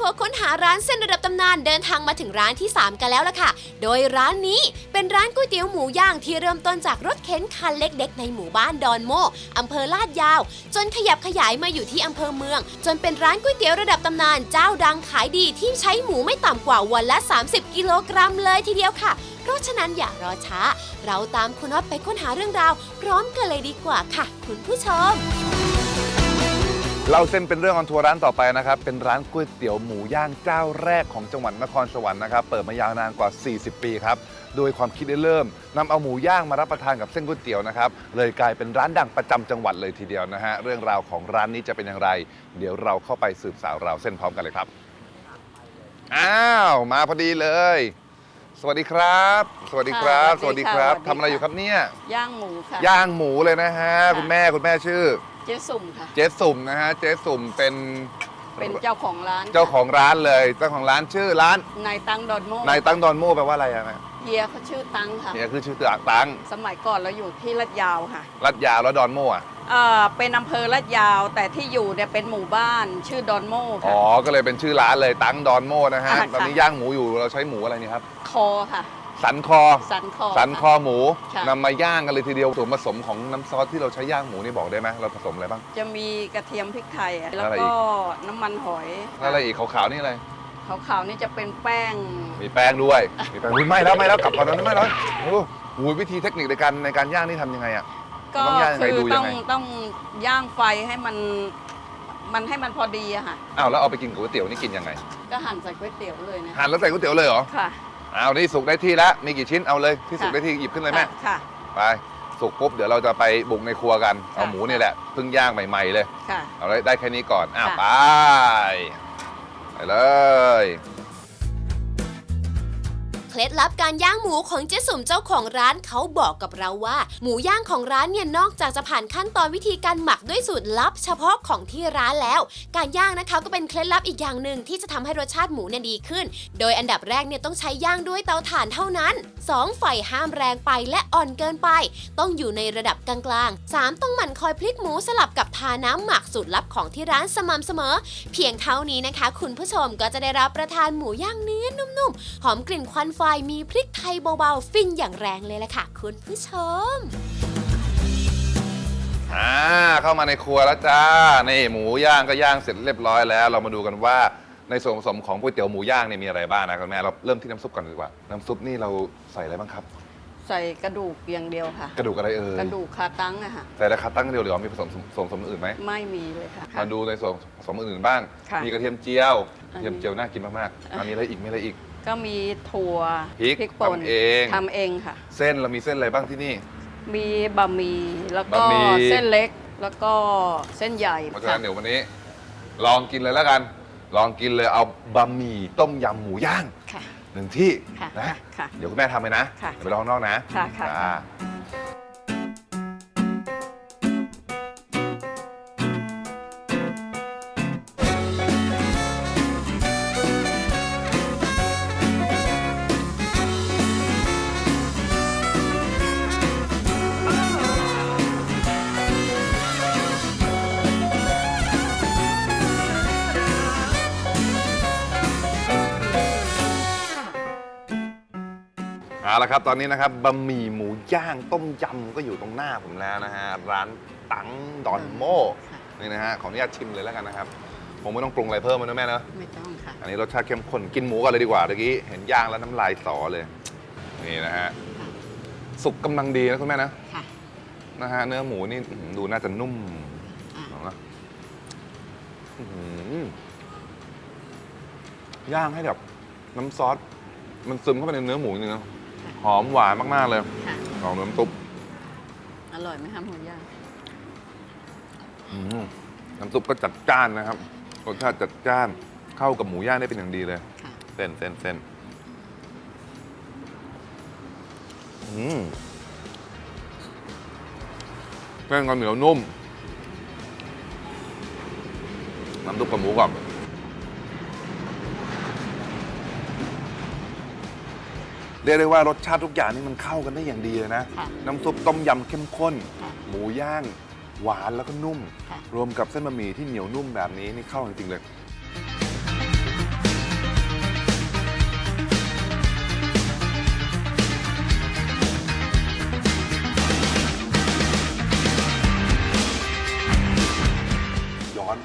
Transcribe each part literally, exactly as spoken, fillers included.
ทัวร์ค้นหาร้านเส้นระดับตำนานเดินทางมาถึงร้านที่สามกันแล้วล่ะค่ะโดยร้านนี้เป็นร้านก๋วยเตี๋ยวหมูย่างที่เริ่มต้นจากรถเข็นคันเล็กๆในหมู่บ้านดอนโม่อำเภอลาดยาวจนขยับขยายมาอยู่ที่อำเภอเมืองจนเป็นร้านก๋วยเตี๋ยวระดับตำนานเจ้าดังขายดีที่ใช้หมูไม่ต่ำกว่าวันละสามสิบกิโลกรัมเลยทีเดียวค่ะเพราะฉะนั้นอย่ารอช้าเราตามคุณน็อตไปค้นหาเรื่องราวพร้อมกันเลยดีกว่าค่ะคุณผู้ชมเราเส้นเป็นเรื่องออนทัวร์ร้านต่อไปนะครับเป็นร้านก๋วยเตี๋ยวหมูย่างเจ้าแรกของจังหวัดนครสวรรค์นะครับเปิดมายาวนานกว่าสี่สิบปีครับโดยความคิดได้เริ่มนำเอาหมูย่างมารับประทานกับเส้นก๋วยเตี๋ยวนะครับเลยกลายเป็นร้านดังประจำจังหวัดเลยทีเดียวนะฮะเรื่องราวของร้านนี้จะเป็นอย่างไรเดี๋ยวเราเข้าไปสืบสาวราวเส้นพร้อมกันเลยครับอ้าวมาพอดีเลยสวัสดีครับสวัสดีครับสวัสดีครับทำอะไรอยู่ครับเนี่ยย่างหมูค่ะย่างหมูเลยนะฮะคุณแม่คุณแม่ชื่อเจ๊สุ่มค่ะเจ๊สุ่มนะฮะเจ๊สุ่มเป็นเป็นเจ้าของร้านเจ้าของร้านเลยเจ้าของร้านชื่อร้านนายตังดอนโม่นายตังดอนโม่แปลว่าอะไรอะแม่เฮียเขาชื่อตังค่ะเฮียคือชื่อตังสมัยก่อนเราอยู่ที่ลาดยาวค่ะลาดยาวแล้วดอนโม่อะเออเป็นอำเภอลาดยาวแต่ที่อยู่เนี่ยเป็นหมู่บ้านชื่อดอนโม่ค่ะอ๋อก็เลยเป็นชื่อร้านเลยตังดอนโม่นะฮะตอนนี้ย่างหมูอยู่เราใช้หมูอะไรนี่ครับคอค่ะสันคอสันคอสันคอหมูนำมาย่างกันเลยทีเดียวส่วนผสมของน้ำซอสที่เราใช้ย่างหมูนี่บอกได้ไหมเราผสมอะไรบ้างจะมีกระเทียมพริกไทยแล้วก็น้ำมันหอยแล้วอะไรอีกขาวๆนี่อะไรขาวๆนี่จะเป็นแป้งมีแป้งด้วยมีแป้งไม่แล้วไม่แล้วกลับก่อนนะไม่แล้วโอ้โหวิธีเทคนิคในการในการย่างนี่ทำยังไงอ่ะก็คือต้องต้องย่างไฟให้มันมันให้มันพอดีอะค่ะอ้าวแล้วเอาไปกินก๋วยเตี๋ยวนี่กินยังไงก็หั่นใส่ก๋วยเตี๋ยวเลยนะหั่นแล้วใส่ก๋วยเตี๋ยวเลยเหรอค่ะเอานี่สุกได้ที่แล้วมีกี่ชิ้นเอาเลยที่สุกได้ที่หยิบขึ้นเลยแม่ค่ะไปสุกปุ๊บเดี๋ยวเราจะไปบุกในครัวกันเอาหมูนี่แหละเพิ่งย่างใหม่ๆเลยค่ะเอาได้แค่นี้ก่อนอ้าวไปไปเลยเคล็ดลับการย่างหมูของเจ๊สุ่มเจ้าของร้านเขาบอกกับเราว่าหมูย่างของร้านเนี่ยนอกจากจะผ่านขั้นตอนวิธีการหมักด้วยสูตรลับเฉพาะของที่ร้านแล้วการย่างนะคะก็เป็นเคล็ดลับอีกอย่างหนึ่งที่จะทำให้รสชาติหมูเนี่ยดีขึ้นโดยอันดับแรกเนี่ยต้องใช้ย่างด้วยเตาถ่านเท่านั้นสองไฟห้ามแรงไปและอ่อนเกินไปต้องอยู่ในระดับกลางๆสามต้องหมั่นคอยพลิกหมูสลับกับทาน้ำหมักสูตรลับของที่ร้านสม่ำเสมอเพียงเท่านี้นะคะคุณผู้ชมก็จะได้รับประทานหมูย่างเนื้อนุ่มๆหอมกลิ่นควันไฟมีพริกไทยเบาๆฟินอย่างแรงเลยล่ะค่ะคุณผู้ชมอ่าเข้ามาในครัวแล้วจ้านี่หมูย่างก็ย่างเสร็จเรียบร้อยแล้วเรามาดูกันว่าในส่วนผสมของก๋วยเตี๋ยวหมูย่างเนี่ยมีอะไรบ้างนะคุณแม่เราเริ่มที่น้ำซุปก่อนดีกว่าน้ำซุปนี่เราใส่อะไรบ้างครับใส่กระดูกอย่างเดียวค่ะกระดูกอะไรเอ่ยกระดูกคาตั้งอะค่ะใส่แต่คาตั้งเดียวหรือมีผสมส่วนผสมอื่นไหมไม่มีเลยค่ะมาดูในส่วนผสมอื่นบ้างมีกระเทียมเจียวกระเทียมเจียวน่ากินมากๆมีอะไรอีกมีอะไรอีกก็มีถั่วพริกป่นทำเองทำเองค่ะเส้นเรามีเส้นอะไรบ้างที่นี่มีบะหมี่แล้วก็เส้นเล็กแล้วก็เส้นใหญ่เพราะฉะนั้นเดี๋ยววันนี้ลองกินเลยแล้วกันลองกินเลยเอาบะหมี่ต้มยำหมูย่างหนึ่งที่นะเดี๋ยวคุณแม่ทำเลยนะเดี๋ยวไปลองนอกนะค่ะค่ะเอาละครับตอนนี้นะครับบะหมี่หมูย่างต้มยำก็อยู่ตรงหน้าผมแล้วนะฮะร้านตังดอนโม่นี่นะฮะขออนุญาตชิมเลยแล้วกันนะครับผมไม่ต้องปรุงอะไรเพิ่มนะแม่เนอะไม่ต้องค่ะอันนี้รสชาติเข้มข้นกินหมูก่อนเลยดีกว่าเมื่อกี้เห็นย่างแล้วน้ำลายสอเลยนี่นะฮะสุกกำลังดีนะคุณแม่นะนะฮะเนื้อหมูนี่ดูน่าจะนุ่มนะย่างให้แบบน้ำซอสมันซึมเข้าไปในเนื้อหมูเนื้อหอมหวานมากๆเลยหอมน้ำซุปอร่อยไหมคะหมูย่างน้ำซุปก็จัดจ้านนะครับรสชาติจัดจ้านเข้ากับหมูย่างได้เป็นอย่างดีเลยเส้นเส้นเส้นเส้นก็เหนียวนุ่มน้ำซุปกับหมูก่อนเรียกได้ว่ารสชาติทุกอย่างนี่มันเข้ากันได้อย่างดีเลยนะน้ำซุปต้มยำเข้มข้นหมูย่างหวานแล้วก็นุ่มรวมกับเส้นบะหมี่ที่เหนียวนุ่มแบบนี้นี่เข้าจริงๆเลย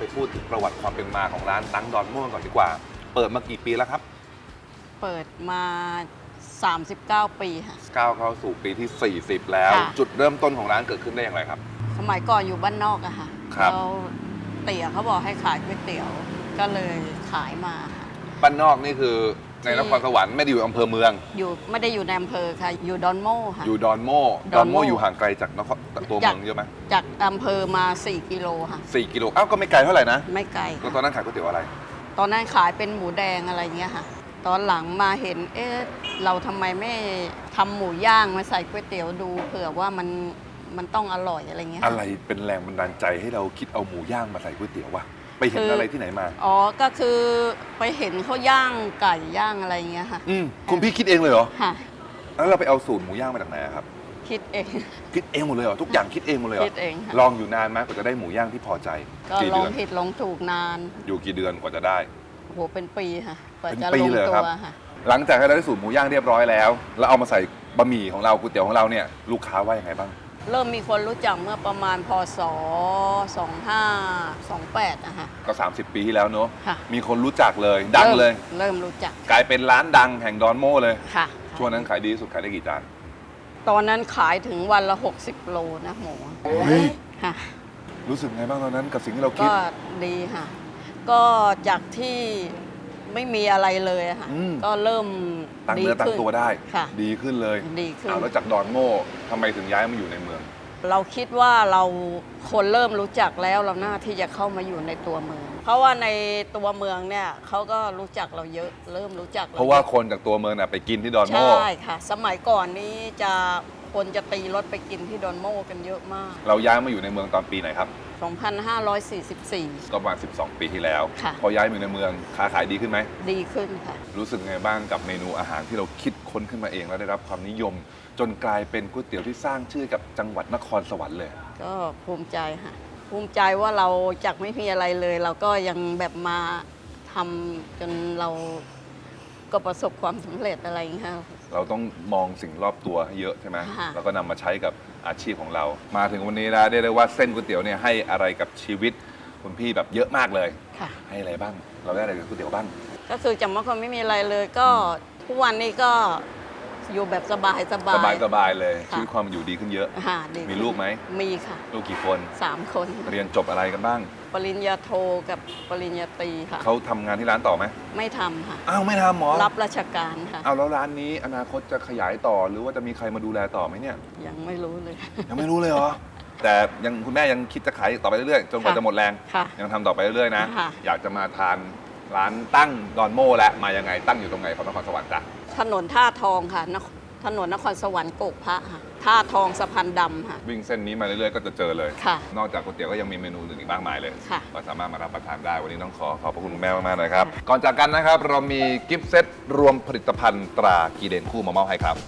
พูดถึงประวัติความเป็นมาของร้านตั้งดอนโม่ก่อนดีกว่า เปิดมากี่ปีแล้วครับเปิดมา สามสิบเก้า ปีค่ะก้าวเข้าสู่ปีที่ สี่สิบ แล้วค่ะจุดเริ่มต้นของร้านเกิดขึ้นได้อย่างไรครับสมัยก่อนอยู่บ้านนอกอะค่ะครับแล้วเตี๋ยเขาบอกให้ขายก๋วยเตี๋ยว ก็เลยขายมาค่ะบ้านนอกนี่คือในนครสวรรค์ไม่ได้อยู่อำเภอเมืองอยู่ไม่ได้อยู่ในอำเภอค่ะ อยู่ดอนโม่ค่ะอยู่ดอนโม่ดดออน นโม่โม่อยู่ห่างไกลจากนครจากตัวเมืองเยอะไหมจากอำเภอมา สี่ กิโลค่ะสี่กิโลอ้าวก็ไม่ไกลเท่าไหร่นะไม่ไกลแล้วค่ะตอนนั้นขายก๋วยเตี๋ยวอะไรตอนนั้นขายเป็นหมูแดงอะไรเงี้ยค่ะ ตอนหลังมาเห็น เอ๊ะ เราทำไมไม่ทำหมูย่างมาใส่ก๋วยเตี๋ยวดูเผื่อว่ามันมันต้องอร่อยอะไรเงี้ยอะไรเป็นแรงบันดาลใจให้เราคิดเอาหมูย่างมาใส่ก๋วยเตี๋ยววะไปเห็นคือออะไรที่ไหนมาอ๋อ ก็คือไปเห็นเขาย่างไก่ย่างอะไรเงี้ยค่ะอืมคุณพี่คิดเองเลยเหรอค่ะแล้วเราไปเอาสูตรหมูย่างมาจากไหนอะครับคิดเองคิดเองหมดเลยเหรอทุกอย่างคิดเองหมดเลยเหรคิดเองค่ะลองอยู่นานไหมกว่าจะได้หมูย่างที่พอใจก็กี่ลอเดืงอนผิดลองถูกนานอยู่กี่เดือนกว่าจะได้โอ้โห เป็นปีค่ะกว่าเป็นจะปีลงเลยเหรอตัครับวค่ะหลังจากที่เราได้สูตรหมูย่างเรียบร้อยแล้ว แล้วเอามาใส่บะหมี่ของเราก๋วยเตี๋ยวของเราเนี่ยลูกค้าว่ายังไงบ้างเริ่มมีคนรู้จักเมื่อประมาณพศ สองพันห้าร้อยยี่สิบแปดนะคะก็ สามสิบ ปีที่แล้วเนอะค่ะมีคนรู้จักเลย ดังเลยเริ่มรู้จักกลายเป็นร้านดังแห่งดอนโม่เลยค่ะช่วงนั้นขายดีที่สุดขายได้กี่จานตอนนั้นขายถึงวันละ หกสิบ โลนะหมูเฮ้ยค่ะรู้สึกไงบ้างตอนนั้นกับสิ่งที่เราคิดก็ดีค่ะ ก็จากที่ไม่มีอะไรเลยอะค่ะอืมก็เริ่มตั้งดีเนื้อตั้งขึ้นตัวได้ค่ะดีขึ้นเลยดีขึ้นอ้าวแล้วจากดอนโม่ทำไมถึงย้ายมาอยู่ในเมืองเราคิดว่าเราคนเริ่มรู้จักแล้วเราหน้าที่จะเข้ามาอยู่ในตัวเมือง เพราะว่าในตัวเมืองเนี่ยเขาก็รู้จักเราเยอะ เริ่มรู้จักเพราะว่าคนจากตัวเมืองน่ะไปกินที่ดอนใชโม่่ค่ะ สมัยก่อนนี้จะคนจะตีรถไปกินที่ดอนโม่กันเยอะมากเราย้ายมาอยู่ในเมืองตอนปีไหนครับสองพันห้าร้อยสี่สิบสี่ก็ประมาณสิบสอง ปีที่แล้วค่ะพอย้ายมาอยู่ในเมืองค้าขายดีขึ้นไหมดีขึ้นค่ะรู้สึกไงบ้างกับเมนูอาหารที่เราคิดค้นขึ้นมาเองแล้วได้รับความนิยม จนกลายเป็นก๋วยเตี๋ยวที่สร้างชื่อกับจังหวัดนครสวรรค์เลยก็ภูมิใจค่ะ ภูมิใจว่าเราจากไม่มีอะไรเลย เราก็ยังแบบมาทำจนเราก็ประสบความสำเร็จอะไรอย่างเงี้ยค่ะเราต้องมองสิ่งรอบตัวให้เยอะใช่ไหมค่ะแล้วก็นำมาใช้กับอาชีพของเรา มาถึงวันนี้แล้วได้เลยว่าเส้นก๋วยเตี๋ยวเนี่ยให้อะไรกับชีวิตคุณพี่แบบเยอะมากเลยค่ะให้อะไรบ้าง เราได้อะไรกับก๋วยเตี๋ยวบ้างก็คือจากเมื่อก่อนไม่มีอะไรเลย ก็ทุกวันนี้ก็อยู่แบบสบายสบายสบายสบายเลยค่ะชีวิตความเป็นอยู่ดีขึ้นเยอะค่ะดีมีลูกไหมมีค่ะลูกกี่คนสามคนเรียนจบอะไรกันบ้างปริญญาโทกับปริญญาตรีค่ะเขาทำงานที่ร้านต่อไหมไม่ทำค่ะอ้าวไม่ทำหมอรับราชการค่ะเอาแล้วร้านนี้อนาคตจะขยายต่อหรือว่าจะมีใครมาดูแลต่อไหมเนี่ยยังไม่รู้เลยยังไม่รู้เลยเหรอ แต่ยังคุณแม่ยังคิดจะขายต่อไปเรื่อยๆ จนกว่าค่ะจะหมดแรงค่ะยังทำต่อไปเรื่อยๆนะค่ะอยากจะมาทานร้านตั้งดอนโม่และมายังไงตั้งอยู่ตรงไหนของนครสวรรค์จ้ะถนนท่าทองค่ะนคถนนนครสวรรค์โกกพระค่ะท่าทองสะพานดำค่ะวิ่งเส้นนี้มาเรื่อยๆ ก็จะเจอเลยค่ะนอกจากก๋วยเตี๋ยวก็ยังมีเมนูอื่นอีกมากมายเลยค่ะก็สามารถมารับประทานได้ วันนี้ต้องขอขอบพระคุณคุณแม่มากๆเลยครับ ก่อนจากกันนะครับ เรามีกิฟต์เซตรวมผลิตภัณฑ์ตรากีเดนคู่มามอบให้ครับ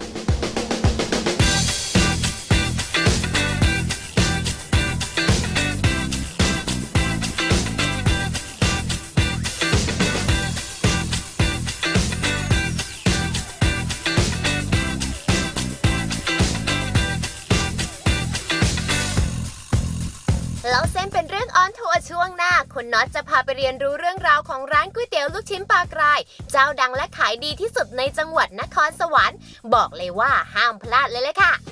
แล้วเส้นเป็นเรื่องออนทัวร์ช่วงหน้าคุณน็อตจะพาไปเรียนรู้เรื่องราวของร้านก๋วยเตี๋ยวลูกชิ้นปลากราย เจ้าดังและขายดีที่สุดในจังหวัดนครสวรรค์บอกเลยว่าห้ามพลาดเลยเลยค่ะ